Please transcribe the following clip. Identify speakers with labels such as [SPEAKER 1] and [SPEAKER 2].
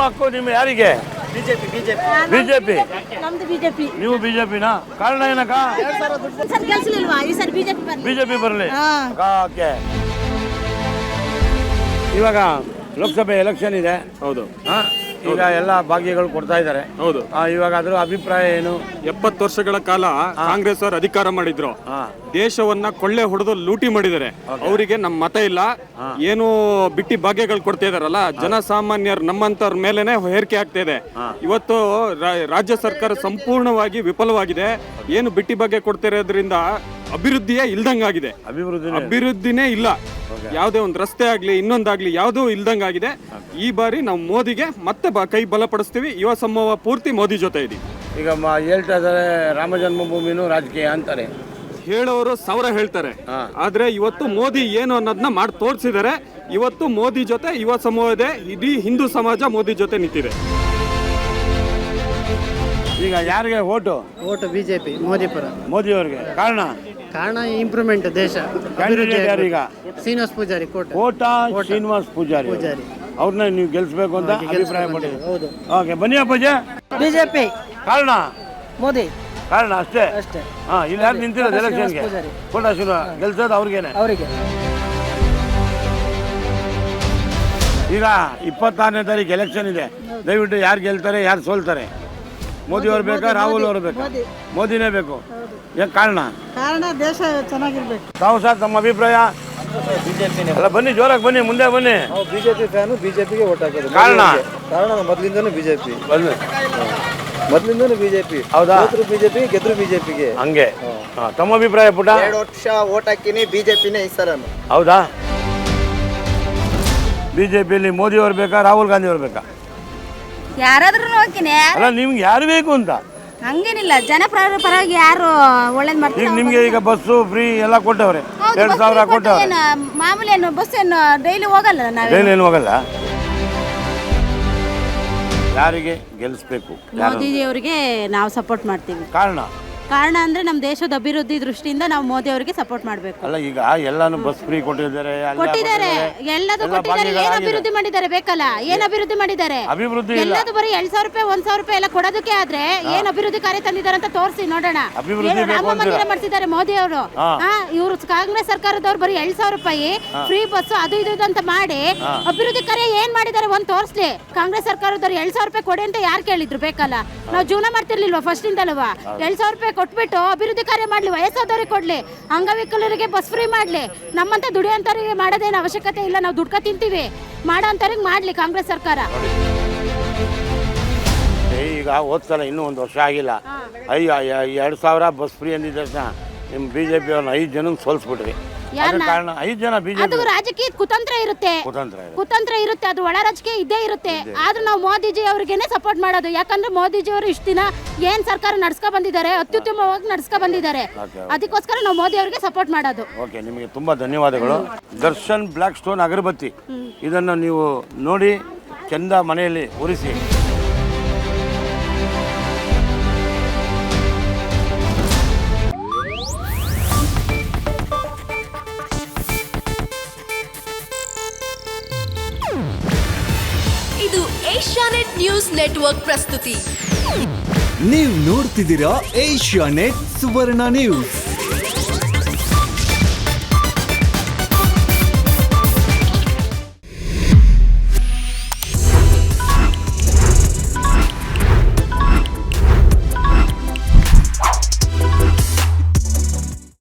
[SPEAKER 1] ಅಕ್ಕೋ ನಿಮ್ಮ ಯಾರಿಗೆ? ಬಿಜೆಪಿ.
[SPEAKER 2] ನಮ್ದು ಬಿಜೆಪಿ.
[SPEAKER 1] ನೀವು ಬಿಜೆಪಿನಾ? ಕಾರಣ ಏನಕ್ಕ?
[SPEAKER 2] ಸರ್ ಕೆಲಸಲಿಲ್ವಾ ಈ ಸರ್
[SPEAKER 1] ಬಿಜೆಪಿ ಬರಲಿ. ಓಕೆ. ಇವಾಗ ಲೋಕಸಭೆ ಎಲೆಕ್ಷನ್ ಇದೆ.
[SPEAKER 3] ಹೌದು.
[SPEAKER 1] ಈಗ ಎಲ್ಲ ಭಾಗ್ಯಗಳು ಕೊಡ್ತಾ ಇದ್ದಾರೆ.
[SPEAKER 3] ಹೌದು.
[SPEAKER 1] ಇವಾಗ ಅದ್ರ ಅಭಿಪ್ರಾಯ ಏನು?
[SPEAKER 3] 70 ವರ್ಷಗಳ ಕಾಲ ಕಾಂಗ್ರೆಸ್ ಅವರು ಅಧಿಕಾರ ಮಾಡಿದ್ರು. ದೇಶವನ್ನ ಕೊಳ್ಳೆ ಹೊಡೆದು ಲೂಟಿ ಮಾಡಿದ್ದಾರೆ. ಅವರಿಗೆ ನಮ್ಮ ಮತ ಇಲ್ಲ, ಏನು ಬಿಟ್ಟಿ ಭಾಗ್ಯಗಳು ಕೊಡ್ತಾ ಇದಾರಲ್ಲ, ಜನಸಾಮಾನ್ಯರು ನಮ್ಮಂತವ್ರ ಮೇಲೆನೆ ಹೇರಿಕೆ ಆಗ್ತಾ ಇದೆ. ಇವತ್ತು ರಾಜ್ಯ ಸರ್ಕಾರ ಸಂಪೂರ್ಣವಾಗಿ ವಿಫಲವಾಗಿದೆ. ಏನು ಬಿಟ್ಟಿ ಭಾಗ್ಯ ಕೊಡ್ತಾ ಇರೋದ್ರಿಂದ ಅಭಿವೃದ್ಧಿಯೇ ಇಲ್ದಂಗಾಗಿದೆ. ಅಭಿವೃದ್ಧಿನೇ ಇಲ್ಲ. ಯಾವುದೇ ಒಂದು ರಸ್ತೆ ಆಗ್ಲಿ ಇನ್ನೊಂದಾಗ್ಲಿ ಯಾವುದೂ ಇಲ್ದಂಗಾಗಿದೆ. ಈ ಬಾರಿ ನಾವು ಮೋದಿಗೆ ಮತ್ತೆ ಕೈ ಬಲಪಡಿಸ್ತೀವಿ. ಯುವ ಸಮೂಹ ಪೂರ್ತಿ ಮೋದಿ ಜೊತೆ ಇದೆ.
[SPEAKER 1] ಈಗ ಹೇಳ್ತಾ ಇದ್ದಾರೆ ರಾಮ ಜನ್ಮಭೂಮಿನೂ ರಾಜಕೀಯ ಅಂತಾರೆ.
[SPEAKER 3] ಹೇಳೋರು 1000 ಹೇಳ್ತಾರೆ, ಆದ್ರೆ ಇವತ್ತು ಮೋದಿ ಏನು ಅನ್ನೋದನ್ನ ಮಾಡಿ ತೋರಿಸಿದ್ದಾರೆ. ಇವತ್ತು ಮೋದಿ ಜೊತೆ ಯುವ ಸಮೂಹ ಇದೆ, ಇಡೀ ಹಿಂದೂ ಸಮಾಜ ಮೋದಿ ಜೊತೆ ನಿಂತಿದೆ.
[SPEAKER 1] ಈಗ ಯಾರಿಗೆ ಓಟು?
[SPEAKER 4] ಬಿಜೆಪಿ, ಮೋದಿ ಪರ.
[SPEAKER 1] ಮೋದಿ ಅವರಿಗೆ. ಕಾರಣ
[SPEAKER 4] ಇಂಪ್ರೂವ್ಮೆಂಟ್ ದೇಶ.
[SPEAKER 1] ಯಾರೀಗ?
[SPEAKER 4] ಶ್ರೀನಿವಾಸ್ ಪೂಜಾರಿ
[SPEAKER 1] ಕೋಟ ಶ್ರೀನಿವಾಸ್ ಪೂಜಾರಿ ಅವ್ರನ್ನ ನೀವು ಗೆಲ್ಸ್ಬೇಕು ಅಂತ ಅಭಿಪ್ರಾಯ ಪಟ್ಟಿದ್ದೀವಿ.
[SPEAKER 4] ಹೌದು.
[SPEAKER 1] ಓಕೆ, ಬನ್ನಿ ಅಪ್ಪಾಜಿ.
[SPEAKER 2] ಬಿಜೆಪಿ.
[SPEAKER 1] ಕಾರಣ
[SPEAKER 2] ಮೋದಿ.
[SPEAKER 1] ಕಾರಣ ಅಷ್ಟೇ. ಇಲ್ಲಿ ಯಾರು ನಿಂತಿರೋದು ಎಲೆಕ್ಷನ್ಗೆ? ಕೋಟ ಶ್ರೀನಿವಾಸ್ ಗೆಲ್ಸೋದು ಅವ್ರಿಗೇನೆ. ಈಗ 26ನೇ ತಾರೀಕು ಎಲೆಕ್ಷನ್ ಇದೆ. ದಯವಿಟ್ಟು ಯಾರು ಗೆಲ್ತಾರೆ ಯಾರು ಸೋಲ್ತಾರೆ? ಮೋದಿ ಅವ್ರು ಬೇಕಾ ರಾಹುಲ್ ಅವರು ಬೇಕಾ? ಮೋದಿನೇ ಬೇಕು. ಏನು ಕಾರಣ?
[SPEAKER 2] ದೇಶ ಚೆನ್ನಾಗಿರ್ಬೇಕು.
[SPEAKER 1] ತಾವು ಸರ್ ತಮ್ಮ ಅಭಿಪ್ರಾಯ? ಅಲ್ಲ ಬನ್ನಿ, ಜೋರಾಗಿ ಬನ್ನಿ, ಮುಂದೆ ಬನ್ನಿ.
[SPEAKER 5] ಬಿಜೆಪಿ ಫ್ಯಾನು, ಬಿಜೆಪಿಗೆ ಓಟ್ ಹಾಕೋದು.
[SPEAKER 1] ಕಾರಣ
[SPEAKER 5] ಮೊದಲಿಂದನೂ ಬಿಜೆಪಿ.
[SPEAKER 1] ಹೌದಾ?
[SPEAKER 5] ಬಿಜೆಪಿ ಗೆದ್ರು ಬಿಜೆಪಿಗೆ.
[SPEAKER 1] ಹಂಗೆ. ತಮ್ಮ ಅಭಿಪ್ರಾಯ ಪುಟ?
[SPEAKER 5] 2 ವರ್ಷ ಓಟ್ ಹಾಕಿನಿ, ಬಿಜೆಪಿನೇ ಈ ಸಲ.
[SPEAKER 1] ಹೌದಾ? ಬಿಜೆಪಿಯಲ್ಲಿ ಮೋದಿ ಅವ್ರು ಬೇಕಾ ರಾಹುಲ್ ಗಾಂಧಿ ಅವ್ರು ಬೇಕಾ?
[SPEAKER 2] ಯಾರಾದ್ರೂ ಹೋಗ್ತೀನಿ.
[SPEAKER 1] ಅಲ್ಲ ನಿಮ್ಗೆ ಯಾರು ಬೇಕು ಅಂತ?
[SPEAKER 2] ಹಂಗೇನಿಲ್ಲ, ಜನಪರವಾಗಿ ಯಾರು ಒಳ್ಳೇದ್ ಮಾಡ್ತಾರೆ.
[SPEAKER 1] ಈಗ ನಿಮ್ಗೆ ಈಗ ಬಸ್ಸು ಫ್ರೀ ಎಲ್ಲ ಕೊಟ್ಟವ್ರೆ, 2000 ಕೊಟ್ಟವ್ರೆ.
[SPEAKER 2] ಮಾಮೂಲಿ ಏನು ಬಸ್ ಏನು ಡೈಲಿ ಹೋಗಲ್ಲ.
[SPEAKER 1] ಡೈಲಿ ಏನು ಹೋಗಲ್ಲ. ಯಾರಿಗೆ ಗೆಲ್ಲಿಸ್ಬೇಕು?
[SPEAKER 2] ಮೋದಿ ಅವರಿಗೆ ನಾವು ಸಪೋರ್ಟ್ ಮಾಡ್ತೀವಿ. ಕಾರಣ ಅಂದ್ರೆ ನಮ್ಮ ದೇಶದ ಅಭಿವೃದ್ಧಿ ದೃಷ್ಟಿಯಿಂದ ನಾವು ಮೋದಿ ಅವರಿಗೆ ಸಪೋರ್ಟ್ ಮಾಡಬೇಕು.
[SPEAKER 1] ಅಲ್ಲ ಈಗ ಎಲ್ಲಾನು ಬಸ್ ಫ್ರೀ ಕೊಟ್ಟಿದ್ದಾರೆ.
[SPEAKER 2] ಎಲ್ಲದೂ ಕೊಟ್ಟಿದ್ದಾರೆ. ಏನ್ ಅಭಿವೃದ್ಧಿ ಮಾಡಿದ್ದಾರೆ ಬೇಕಲ್ಲ? ಏನ್ ಅಭಿವೃದ್ಧಿ ಮಾಡಿದ್ದಾರೆ? ಎಲ್ಲದೂ ಬರೀ 2,000 ರೂಪಾಯಿ 1,000 ರೂಪಾಯಿ ಎಲ್ಲ ಕೊಡೋದಕ್ಕೆ ಆದ್ರೆ ಏನ್ ಅಭಿವೃದ್ಧಿ ಕಾರ್ಯ ತಂದಿದ್ದಾರೆ ಅಂತ ತೋರಿಸಿ ನೋಡೋಣ. ರಾಮ ಮಂದಿರ ಮಾಡಿಸಿದ್ದಾರೆ ಮೋದಿ ಅವರು. ಇವರು ಕಾಂಗ್ರೆಸ್ ಸರ್ಕಾರದವ್ರು ಬರೀ 2,000 ರೂಪಾಯಿ ಫ್ರೀ ಬಸ್ ಅದು ಇದು ಅಂತ ಮಾಡಿ ಅಭಿವೃದ್ಧಿ ಕಾರ್ಯ ಏನ್ ಮಾಡಿದ್ದಾರೆ ಒಂದ್ ತೋರಿಸ್ಲಿ. ಕಾಂಗ್ರೆಸ್ ಸರ್ಕಾರದವ್ರು 2,000 ರೂಪಾಯಿ ಕೊಡಿ ಅಂತ ಯಾರು ಕೇಳಿದ್ರು? ಬೇಕಲ್ಲ, ನಾವು ಜೀವನ ಮಾಡ್ತಿರ್ಲಿಲ್ವಾ ಫಸ್ಟ್ ಇಂದಲ್ವಾ? 2,000 ರೂಪಾಯಿ ಕೊಟ್ಬಿಟ್ಟು ಅಭಿವೃದ್ಧಿ ಕಾರ್ಯ ಮಾಡ್ಲಿ, ವಯಸ್ಸಾದವ್ರಿಗೆ ಕೊಡ್ಲಿ, ಅಂಗವಿಕಲರಿಗೆ ಬಸ್ ಫ್ರೀ ಮಾಡ್ಲಿ. ನಮ್ಮಂತ ದುಡಿಯೋಂತವ್ರಿಗೆ ಮಾಡೋದೇನು ಅವಶ್ಯಕತೆ ಇಲ್ಲ, ನಾವು ದುಡ್ಕ ತಿಂತೀವಿ. ಮಾಡೋಂಥವ್ರಿಗೆ ಮಾಡ್ಲಿ ಕಾಂಗ್ರೆಸ್ ಸರ್ಕಾರ.
[SPEAKER 1] ಈಗ ಹೋದ್ಸಲ ಇನ್ನೂ 1 ವರ್ಷ ಆಗಿಲ್ಲ, 2,000 ಬಸ್ ಫ್ರೀ ಅಂದಿದ್ದ ತಕ್ಷಣ ನಿಮ್ಮ ಬಿಜೆಪಿ ಅವ್ರನ್ನ 5 ಜನ ಸೋಲ್ಸ್ಬಿಟ್ರಿ. ಕಾರಣ 5 ಜನ ಬಿಜೆಪಿ.
[SPEAKER 2] ಅದು ರಾಜಕೀಯ ಕುತಂತ್ರ ಇರುತ್ತೆ. ಅದು ಒಳ ರಾಜಕೀಯ ಇದ್ದೇ ಇರುತ್ತೆ. ಆದ್ರೂ ನಾವು ಮೋದಿಜಿ ಅವ್ರಿಗೇನೆ ಸಪೋರ್ಟ್ ಮಾಡೋದು. ಯಾಕಂದ್ರೆ ಮೋದಿಜಿ ಅವರು ಇಷ್ಟು ದಿನ ಏನ್ ಸರ್ಕಾರ ನಡ್ಸ್ಕೊ ಬಂದಿದ್ದಾರೆ, ಅತ್ಯುತ್ತಮವಾಗಿ ನಡ್ಸ್ಕೊ ಬಂದಿದ್ದಾರೆ. ಅದಕ್ಕೋಸ್ಕರ ನಾವು ಮೋದಿ ಅವರಿಗೆ ಸಪೋರ್ಟ್ ಮಾಡೋದು.
[SPEAKER 1] ಓಕೆ, ನಿಮಗೆ ತುಂಬಾ ಧನ್ಯವಾದಗಳು. ದರ್ಶನ್ ಬ್ಲಾಕ್ ಸ್ಟೋನ್ ಅಗರಬತ್ತಿ ಇದನ್ನು ನೀವು ನೋಡಿ ಚಂದ ಮನೆಯಲ್ಲಿ ಉರಿಸಿ.
[SPEAKER 6] ಇದು ಏಷ್ಯಾನೆಟ್ ನ್ಯೂಸ್ ನೆಟ್ವರ್ಕ್ ಪ್ರಸ್ತುತಿ.
[SPEAKER 7] ನೀವು ನೋಡ್ತಿದ್ದೀರಾ ಏಷ್ಯಾನೆಟ್ ಸುವರ್ಣ ನ್ಯೂಸ್.